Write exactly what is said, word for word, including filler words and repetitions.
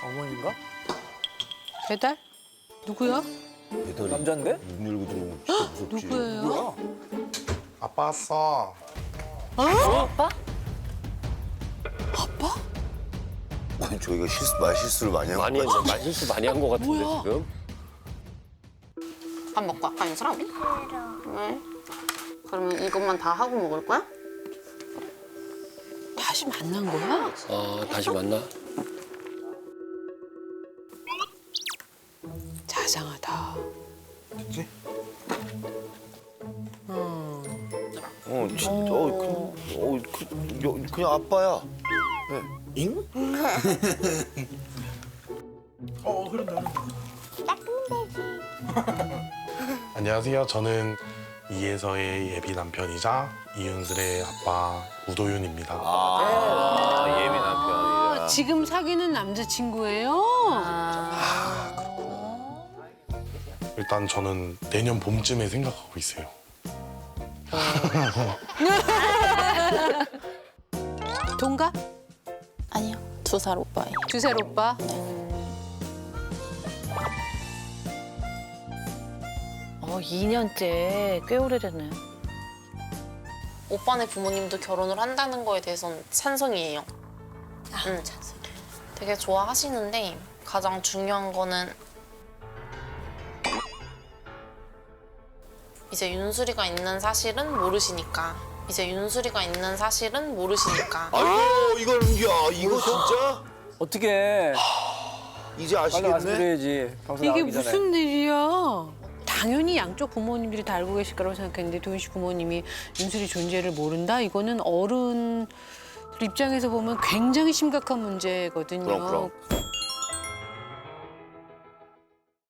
어머니인가? 배달? 누구야? 배달이 남잔데? 문 열고 들어오면 진짜 무섭지. 누구예요? 뭐야? 아빠 왔어. 아빠? 아니, 저희가 실수, 말실수를 많이 한 많이 거 했네. 말실수 많이 한 것 같은데 뭐야? 지금. 밥 먹고 아까 인사람? 왜? 그러면 이것만 다 하고 먹을 거야? 다시 만난 거야? 아 다시 만나? 자상하다. 그치? 음. 어, 진짜. 어, 그, 어, 그, 여, 그냥 아빠야. 잉? 어, 흐른다, 흐른다. 안녕하세요. 저는 이혜서의 예비 남편이자 이윤슬의 아빠 우도윤입니다. 아 예비 아, 남편이야. 지금 사귀는 남자친구예요? 일단 저는 내년 봄쯤에 생각하고 있어요. 동갑? 아니요, 두 살 오빠예요. 두 살 오빠? 어, 이 년째 꽤 오래됐네. 오빠네 부모님도 결혼을 한다는 거에 대해서는 찬성이에요. 아, 응. 되게 좋아하시는데 가장 중요한 거는 이제 윤수리가 있는 사실은 모르시니까. 이제 윤수리가 있는 사실은 모르시니까. 아이고, 이걸, 야, 이거 진짜? 어떻게 이제 빨리 아시겠네? 말씀드려야지. 방송 이게 나가기 전에. 무슨 일이야? 당연히 양쪽 부모님들이 다 알고 계실 거라고 생각했는데 도윤 씨 부모님이 윤슬이 존재를 모른다? 이거는 어른들 입장에서 보면 굉장히 심각한 문제거든요. 그럼, 그럼.